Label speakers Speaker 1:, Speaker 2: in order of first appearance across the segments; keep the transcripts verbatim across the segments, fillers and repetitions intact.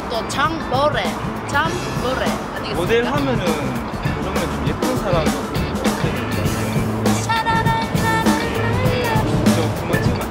Speaker 1: 저것도 장보레, 장보레 아니겠습니까?
Speaker 2: 모델 하면은 그러면 좀 예쁜 사람 저 그만 찍으면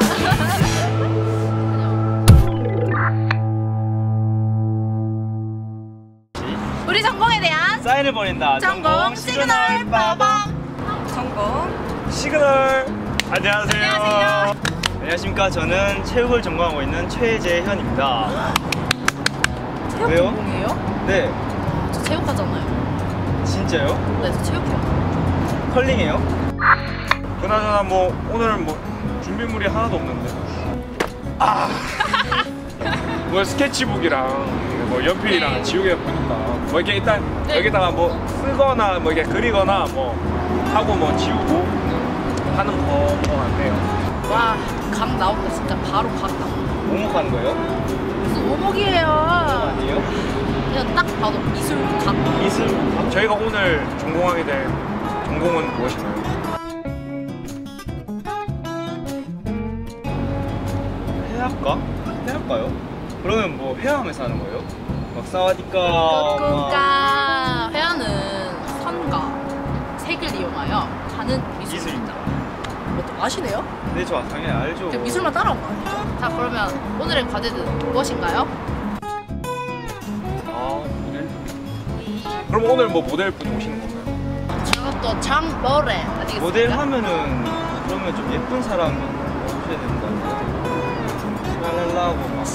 Speaker 1: 우리 전공에 대한
Speaker 2: 사인을 보낸다.
Speaker 1: 전공 시그널 빠밤.
Speaker 3: 전공
Speaker 2: 시그널. 안녕하세요.
Speaker 1: 안녕하세요.
Speaker 2: 안녕하십니까. 저는 체육을 전공하고 있는 최재현입니다.
Speaker 1: 체육
Speaker 2: 왜요?
Speaker 1: 전공이에요?
Speaker 2: 네.
Speaker 1: 저 체육하잖아요.
Speaker 2: 진짜요?
Speaker 1: 네, 저 체육해요.
Speaker 2: 컬링이에요?
Speaker 4: 그나저나 뭐 오늘 뭐 준비물이 하나도 없는데 아! 뭐 스케치북이랑 뭐 연필이랑
Speaker 1: 네.
Speaker 4: 지우개가 보니까 뭐 이렇게 일단
Speaker 1: 네.
Speaker 4: 여기다가 뭐 쓰거나 뭐 이렇게 그리거나 뭐 하고 뭐 지우고 하는 거 같네요.
Speaker 1: 와, 각 나온다. 진짜 바로 각 나온다.
Speaker 2: 오목하는 거예요?
Speaker 1: 무슨 오목이에요?
Speaker 2: 아니에요?
Speaker 1: 그냥 딱 봐도 미술 각.
Speaker 2: 미술.
Speaker 4: 저희가 오늘 전공하게 될 전공은 무엇인가요?
Speaker 2: 회화과? 회화과요? 그러면 뭐 회화하면서 하는 거예요? 막 사와디까
Speaker 1: 그러니까 회화는 선과 색을 이용하여 하는 미술입니다.
Speaker 2: 미술입니다.
Speaker 1: 뭐 아시네요?
Speaker 2: 네, 저 당연히 알죠.
Speaker 1: 그냥 미술만 따라온 거 아니죠? 자, 그러면 오늘의 과제는 무엇인가요?
Speaker 4: 아 모델? 그럼 오늘 뭐 모델분이 오시는 건가요?
Speaker 1: 저것도 장보레 아니겠습니까?
Speaker 2: 모델 하면은 그러면 좀 예쁜 사람 오셔야 되는 거 아니에요? 랄랄라고 막.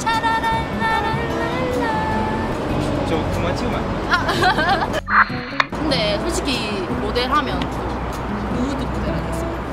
Speaker 2: 저 그만 찍으면 안 돼요?
Speaker 1: 근데 솔직히 모델 하면 누드 모델 아니겠습니까?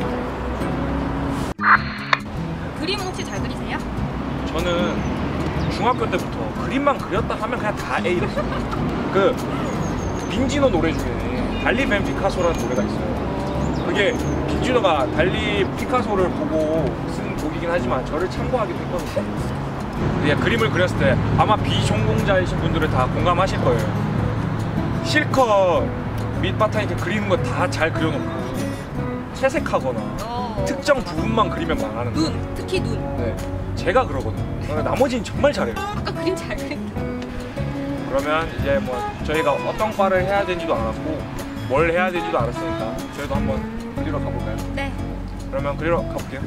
Speaker 3: 그림은 혹시 잘 그리세요?
Speaker 4: 저는 중학교 때부터 그림만 그렸다 하면 그냥 다 A랬어요. 그 빈지노 노래 중에 달리 벤 피카소라는 노래가 있어요. 그게 빈지노가 달리 피카소를 보고 쓴 곡이긴 하지만 저를 참고하기도 했거든요. 그냥 그림을 그렸을 때 아마 비전공자이신 분들은 다 공감하실 거예요. 실컷 밑바탕 이렇게 그리는 거 다 잘 그려놓고 채색하거나
Speaker 3: 어.
Speaker 4: 특정 부분만 그리면 망하는 거예요.
Speaker 3: 눈, 특히 눈.
Speaker 4: 네, 제가 그러거든요. 그러니까 나머지는 정말 잘해요.
Speaker 3: 아까 그림 잘 그린다.
Speaker 4: 그러면 이제 뭐 저희가 어떤 과를 해야 되는지도 알았고 뭘 해야 되는지도 알았으니까 저희도 한번 그리러 가볼까요?
Speaker 3: 네.
Speaker 4: 그러면 그리러 가볼게요.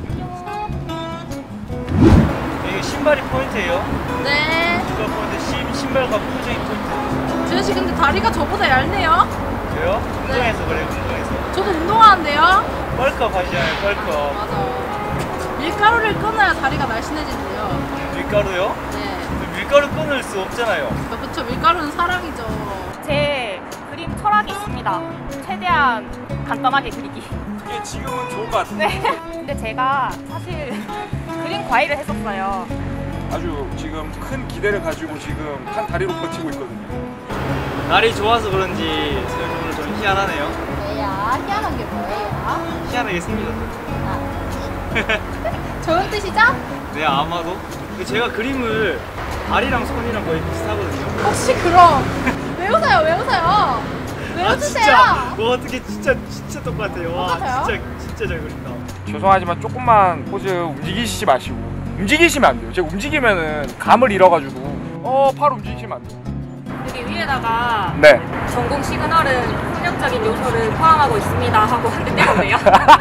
Speaker 2: 이게 신발이 포인트예요?
Speaker 1: 네.
Speaker 2: 이거 포인트, 신, 신발과 표정이 포인트.
Speaker 1: 지현 씨 근데 다리가 저보다 얇네요.
Speaker 2: 왜요? 운동해서 그래요, 운동해서.
Speaker 1: 저도 운동하는데요.
Speaker 2: 뻘컵 하시잖아요, 뻘컵.
Speaker 1: 맞아. 밀가루를 끊어야 다리가 날씬해진대요.
Speaker 2: 밀가루요?
Speaker 1: 네.
Speaker 2: 밀가루 끊을 수 없잖아요.
Speaker 1: 그렇죠. 밀가루는 사랑이죠.
Speaker 3: 제 그림 철학이 있습니다. 최대한 간단하게 그리기.
Speaker 4: 그게 지금은 좋을 것 같은데
Speaker 3: 네. 근데 제가 사실 그림 과외를 했었어요.
Speaker 4: 아주 지금 큰 기대를 가지고 지금 한 다리로 버티고 있거든요.
Speaker 2: 날이 좋아서 그런지 오늘 좀 희한하네요.
Speaker 1: 뭐야? 희한한 게 뭐예요?
Speaker 2: 희한하게 생기셨어요.
Speaker 1: 좋은 뜻이죠?
Speaker 2: 네, 아마도. 근데 제가 그림을 다리랑 손이랑 거의 비슷하거든요.
Speaker 1: 혹시 그럼 왜 웃어요? 왜 웃어요? 왜
Speaker 2: 아,
Speaker 1: 웃으세요?
Speaker 2: 진짜. 와, 어떻게 진짜 진짜 똑같아요. 와,
Speaker 1: 똑같아요?
Speaker 2: 진짜 진짜 잘 그린다.
Speaker 4: 죄송하지만 조금만 포즈 움직이시지 마시고 움직이시면 안 돼요. 제가 움직이면은 감을 잃어가지고 어 팔 움직이시면 안 돼요.
Speaker 3: 여기 위에다가
Speaker 4: 네.
Speaker 3: 전공 시그널은 폭력적인 요소를 포함하고 있습니다 하고 한 대 떼었네요.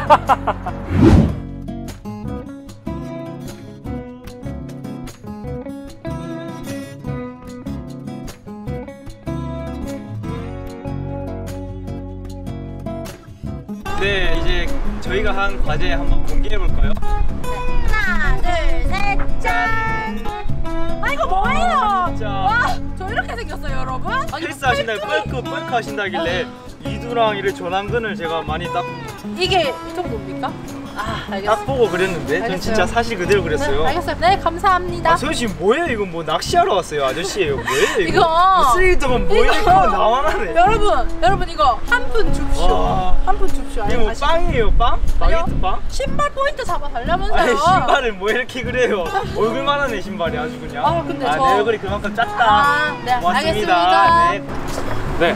Speaker 2: 네, 이제 저희가 한 과제 한번 공개해 볼까요?
Speaker 1: 하나, 둘, 셋, 짠! 아, 이거 뭐예요?
Speaker 2: 진짜.
Speaker 1: 와, 저 이렇게 생겼어요, 여러분? 아니,
Speaker 2: 헬스 하신다고 뻘크 뻘크 하신다길래 이두랑 이를 조남근을 제가 많이 딱,
Speaker 1: 이게 이 정도입니까? 아,
Speaker 2: 딱
Speaker 1: 알겠어요.
Speaker 2: 보고 그렸는데 전
Speaker 1: 알겠어요.
Speaker 2: 진짜 사실 그대로 그렸어요.
Speaker 1: 네, 알겠어요. 네, 감사합니다.
Speaker 2: 아, 소연씨 뭐예요? 이거 뭐 낚시하러 왔어요? 아저씨예요? 뭐예요? 이거?
Speaker 1: 이거
Speaker 2: 쓰레기통은 뭐예요?
Speaker 1: 이거
Speaker 2: 이거 나와라네.
Speaker 1: 여러분, 여러분 이거 한 푼 줍쇼.
Speaker 2: 와.
Speaker 1: 한 푼 줍쇼.
Speaker 2: 이거 뭐
Speaker 1: 아시죠?
Speaker 2: 빵이에요? 빵? 바게트 빵?
Speaker 1: 신발 포인트 잡아 달라면서요.
Speaker 2: 아니 신발을 뭐 이렇게 그래요? 얼굴만 하네 신발이 아주 그냥.
Speaker 1: 아, 근데 저-
Speaker 2: 내 얼굴이 그만큼 작다.
Speaker 1: 아, 네,
Speaker 2: 고맙습니다.
Speaker 1: 알겠습니다.
Speaker 2: 네.
Speaker 4: 네.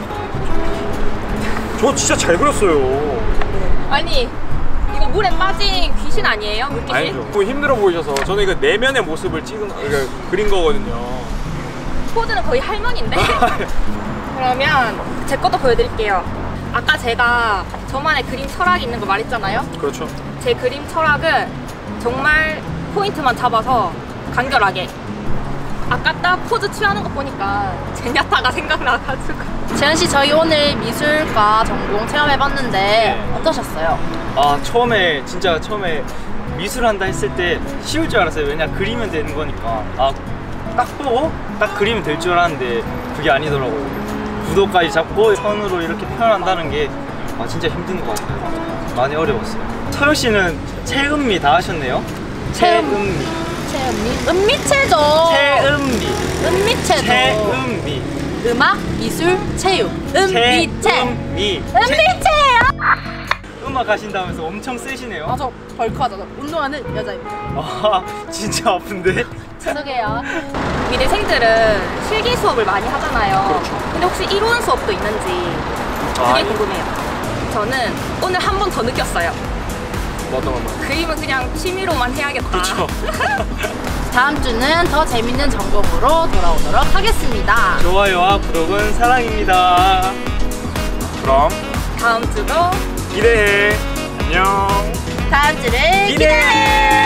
Speaker 4: 저 진짜 잘 그렸어요.
Speaker 3: 아니 이거 물에 빠진 귀신 아니에요? 물귀신?
Speaker 4: 아니죠. 힘들어 보이셔서 저는 이거 내면의 모습을 찍은 그러니까 그린 거거든요.
Speaker 3: 포즈는 거의 할머니인데. 그러면 제 것도 보여드릴게요. 아까 제가 저만의 그림 철학이 있는 거 말했잖아요.
Speaker 4: 그렇죠.
Speaker 3: 제 그림 철학은 정말 포인트만 잡아서 간결하게. 아까 딱 포즈 취하는 거 보니까 제냐타가 생각나가지고.
Speaker 1: 재현 씨, 저희 오늘 미술과 전공 체험해봤는데
Speaker 2: 네.
Speaker 1: 어떠셨어요?
Speaker 2: 아 처음에 진짜 처음에 미술한다 했을 때 쉬울 줄 알았어요. 왜냐 그리면 되는 거니까. 아 딱 보고 딱 그리면 될 줄 알았는데 그게 아니더라고요. 구도까지 잡고 선으로 이렇게 표현한다는 게 아, 진짜 힘든 것 같아요. 많이 어려웠어요. 서영 씨는 체음미 다 하셨네요.
Speaker 1: 체음.
Speaker 2: 체음미.
Speaker 1: 체음미? 은미체죠.
Speaker 2: 체음미.
Speaker 1: 은미체죠.
Speaker 2: 체음미.
Speaker 1: 음악, 미술, 체육. 은미체.
Speaker 2: 체음미.
Speaker 1: 은미체예요.
Speaker 2: 음악 하신다면서 엄청 세시네요.
Speaker 1: 맞아, 벌크하잖아. 운동하는 여자입니다.
Speaker 2: 아 진짜 아픈데?
Speaker 1: 죄송해요.
Speaker 3: 미대생들은 실기 수업을 많이 하잖아요.
Speaker 4: 그렇죠.
Speaker 3: 근데 혹시 이론 수업도 있는지 그게
Speaker 4: 아,
Speaker 3: 궁금해요. 저는 오늘 한 번 더 느꼈어요.
Speaker 4: 뭐 어떤 건가요?
Speaker 3: 그림은 그냥 취미로만 해야겠다.
Speaker 4: 그렇죠.
Speaker 1: 다음 주는 더 재밌는 전공으로 돌아오도록 하겠습니다.
Speaker 2: 좋아요와 구독은 사랑입니다.
Speaker 4: 그럼
Speaker 3: 다음 주도
Speaker 4: 기대해. 안녕.
Speaker 1: 다음 주를
Speaker 2: 기대해.